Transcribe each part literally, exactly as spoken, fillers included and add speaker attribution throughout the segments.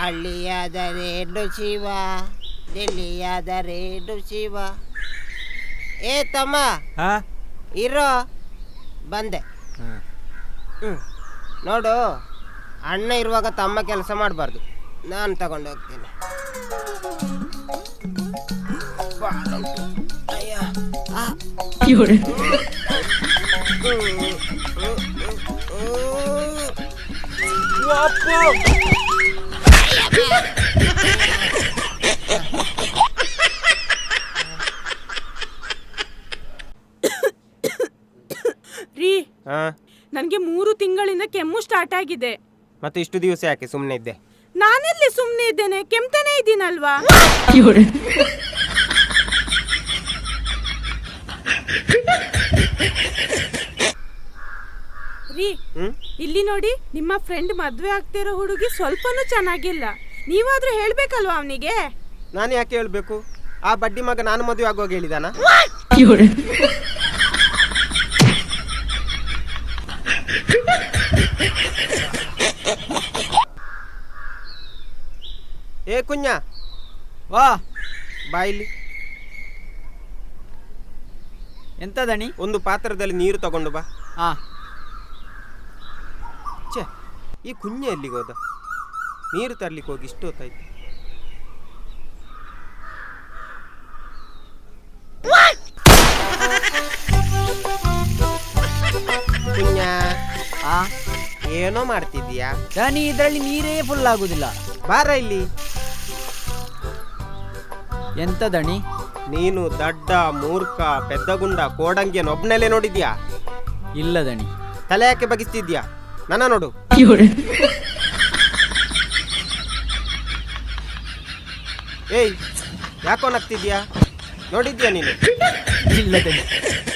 Speaker 1: ಹಳ್ಳಿಯಾದರೇನು ಶಿವ, ಡೆಲ್ಲಿಯಾದರೇನು ಶಿವ. ಏ ತಮ್ಮ ಇರೋ ಬಂದೆ. ಹ್ಞೂ ನೋಡು, ಅಣ್ಣ ಇರುವಾಗ ತಮ್ಮ ಕೆಲಸ ಮಾಡಬಾರ್ದು, ನಾನು ತಗೊಂಡು ಹೋಗ್ತೀನಿ. ಅಯ್ಯ
Speaker 2: ರೀ, ನನ್ಗೆ ಮೂರು ತಿಂಗಳಿಂದ ಕೆಮ್ಮು ಸ್ಟಾರ್ಟ್ ಆಗಿದೆ.
Speaker 1: ಮತ್ತೆ ಇಷ್ಟು ದಿವಸ ಯಾಕೆ ಸುಮ್ಮನೆ ಇದ್ದೆ?
Speaker 2: ನಾನೆಲ್ಲಿ ಸುಮ್ಮನೆ ಇದ್ದೇನೆ, ಕೆಮ್ತಾನೆ ಇದ್ದೀನಲ್ವಾ. ರೀ, ಇಲ್ಲಿ ನೋಡಿ, ನಿಮ್ಮ ಫ್ರೆಂಡ್ ಮದ್ವೆ ಆಗ್ತಿರೋ ಹುಡುಗಿ ಸ್ವಲ್ಪನೂ ಚೆನ್ನಾಗಿಲ್ಲ. ನೀವಾದ್ರೂ ಹೇಳ್ಬೇಕಲ್ವಾ ಅವನಿಗೆ?
Speaker 1: ನಾನು ಯಾಕೆ ಹೇಳ್ಬೇಕು? ಆ ಬಡ್ಡಿ ಮಗ ನಾನು ಮದುವೆ ಆಗುವಾಗ ಹೇಳಿದಾನ? ಏ ಕುഞ്ഞ,
Speaker 3: ವಾ
Speaker 1: ಬಾ ಇಲ್ಲಿ.
Speaker 3: ಎಂತ ದಣಿ?
Speaker 1: ಒಂದು ಪಾತ್ರದಲ್ಲಿ ನೀರು ತಗೊಂಡು ಬಾ.
Speaker 3: ಹಾ.
Speaker 1: ಛೇ, ಈ ಕುഞ്ഞ ಎಲ್ಲಿಗೆ ಹೋದ? ನೀರು ತರ್ಲಿಕ್ಕೆ ಹೋಗಿ ಇಷ್ಟು ಹೊತ್ತಾಯ್ತು. ಕುഞ്ഞ,
Speaker 3: ಆ
Speaker 1: ಏನೋ ಮಾಡ್ತಿದ್ದೀಯಾ?
Speaker 3: ದಣಿ, ಇದರಲ್ಲಿ ನೀರೇ ಫುಲ್ ಆಗುದಿಲ್ಲ.
Speaker 1: ಬಾರ ಇಲ್ಲಿ.
Speaker 3: ಎಂತ ದಣಿ?
Speaker 1: ನೀನು ದಡ್ಡ, ಮೂರ್ಖ, ಪೆದ್ದಗುಂಡ, ಕೋಡಂಗಿಯನ್ನು ಒಬ್ನಲ್ಲೇ ನೋಡಿದ್ಯಾ?
Speaker 3: ಇಲ್ಲ ದಣಿ.
Speaker 1: ತಲೆ ಯಾಕೆ ಬಗಿಸ್ತಿದ್ಯಾ? ನನ್ನ ನೋಡು. ಏಯ್, ಯಾಕೋ ನಗ್ತಿದ್ಯಾ? ನೋಡಿದ್ಯಾ ನೀನು?
Speaker 3: ಇಲ್ಲ ದಣಿ.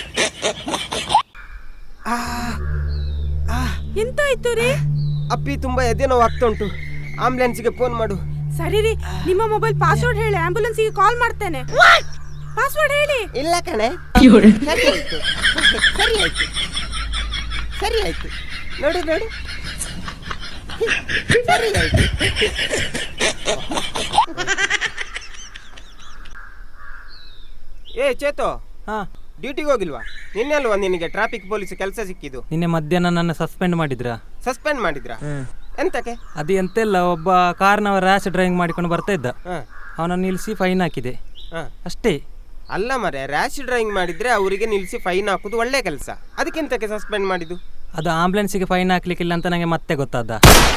Speaker 2: ಎಂತಾಯ್ತು ರೀ?
Speaker 1: ಅಪ್ಪಿ ತುಂಬಾ ಎದೆ ನೋವು ಆಗ್ತಾ ಉಂಟು, ಆಂಬುಲೆನ್ಸ್ಗೆ ಫೋನ್ ಮಾಡು.
Speaker 2: ಸರಿ ರೀ, ನಿಮ್ಮ ಮೊಬೈಲ್ ಪಾಸ್ವರ್ಡ್ ಹೇಳಿ, ಆಂಬುಲೆನ್ಸ್ಗೆ ಕಾಲ್ ಮಾಡ್ತೇನೆ. ಪಾಸ್ವರ್ಡ್ ಹೇಳಿ.
Speaker 1: ಇಲ್ಲ ಕಣೆ, ಸರಿ ಆಯ್ತು, ಸರಿ ಆಯ್ತು, ಸರಿ ಆಯ್ತು. ನೋಡು ನೋಡು, ಸರಿ ಆಯ್ತು. ಏ ಚೇತೋ,
Speaker 4: ಹಾ,
Speaker 1: ಡ್ಯೂಟಿಗೆ ಹೋಗಿಲ್ವಾ? ನಿನ್ನೆ ಅಲ್ವಾ ನಿನಗೆ ಟ್ರಾಫಿಕ್ ಪೊಲೀಸ್ ಕೆಲಸ ಸಿಕ್ಕಿದ್ದು?
Speaker 4: ನಿನ್ನೆ ಮಧ್ಯಾಹ್ನ ನನ್ನ ಸಸ್ಪೆಂಡ್ ಮಾಡಿದ್ರಾ?
Speaker 1: ಸಸ್ಪೆಂಡ್ ಮಾಡಿದ್ರಾ? ಎಂತಕ್ಕೆ?
Speaker 4: ಅದು ಎಂತೆಲ್ಲ, ಒಬ್ಬ ಕಾರ್ನವ ರ್ಯಾಶ್ ಡ್ರೈವಿಂಗ್ ಮಾಡಿಕೊಂಡು ಬರ್ತಾ ಇದ್ದ, ಅವನನ್ನು ನಿಲ್ಲಿಸಿ ಫೈನ್ ಹಾಕಿದೆ ಅಷ್ಟೇ.
Speaker 1: ಅಲ್ಲ ಮರೆ, ರ್ಯಾಶ್ ಡ್ರೈವಿಂಗ್ ಮಾಡಿದ್ರೆ ಅವರಿಗೆ ನಿಲ್ಲಿಸಿ ಫೈನ್ ಹಾಕುದು ಒಳ್ಳೆ ಕೆಲಸ, ಅದಕ್ಕೆಂತಕ್ಕೆ ಸಸ್ಪೆಂಡ್ ಮಾಡಿದ್ದು?
Speaker 4: ಅದು ಆಂಬುಲೆನ್ಸಿಗೆ ಫೈನ್ ಹಾಕ್ಲಿಕ್ಕಿಲ್ಲ ಅಂತ ನನಗೆ ಮತ್ತೆ ಗೊತ್ತಾದ.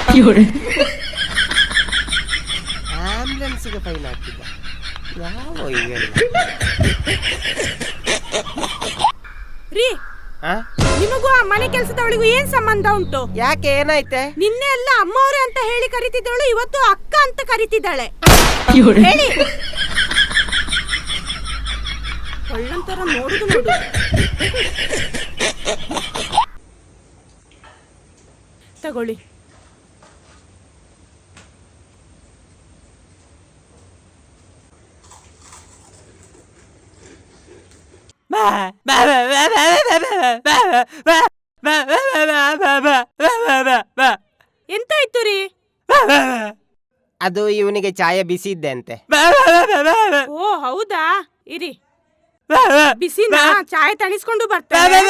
Speaker 1: ಆಂಬುಲೆನ್ಸ್ಗೆ ಫೈನ್ ಹಾಕಿದ್ದ ಯಾವ ಇವೆಲ್ಲ?
Speaker 2: ರೀ, ನಿಮಗೂ ಆ ಮನೆ ಕೆಲಸದವಳಿಗೂ ಏನ್ ಸಂಬಂಧ ಉಂಟು?
Speaker 1: ಯಾಕೆ, ಏನಾಯ್ತೆ?
Speaker 2: ನಿನ್ನೆ ಎಲ್ಲ ಅಮ್ಮವ್ರೆ ಅಂತ ಹೇಳಿ ಕರಿತಿದ್ದವಳು ಇವತ್ತು ಅಕ್ಕ ಅಂತ ಕರಿತಿದ್ದಾಳೆ. ಹೇಳಿ. ಒಳ್ಳಂತರ ನೋಡುದು ನೋಡು. ತಗೊಳ್ಳಿ. ಎಂತಾಯ್ತು ರೀ?
Speaker 1: ಅದು ಇವನಿಗೆ ಚಾಯ ಬಿಸಿ ಇದ್ದೆ ಅಂತೆ.
Speaker 2: ಓ ಹೌದಾ, ಇರಿ ಬಿಸಿನ ಚಾಯ್ ತಣಿಸ್ಕೊಂಡು ಬರ್ತೇನೆ.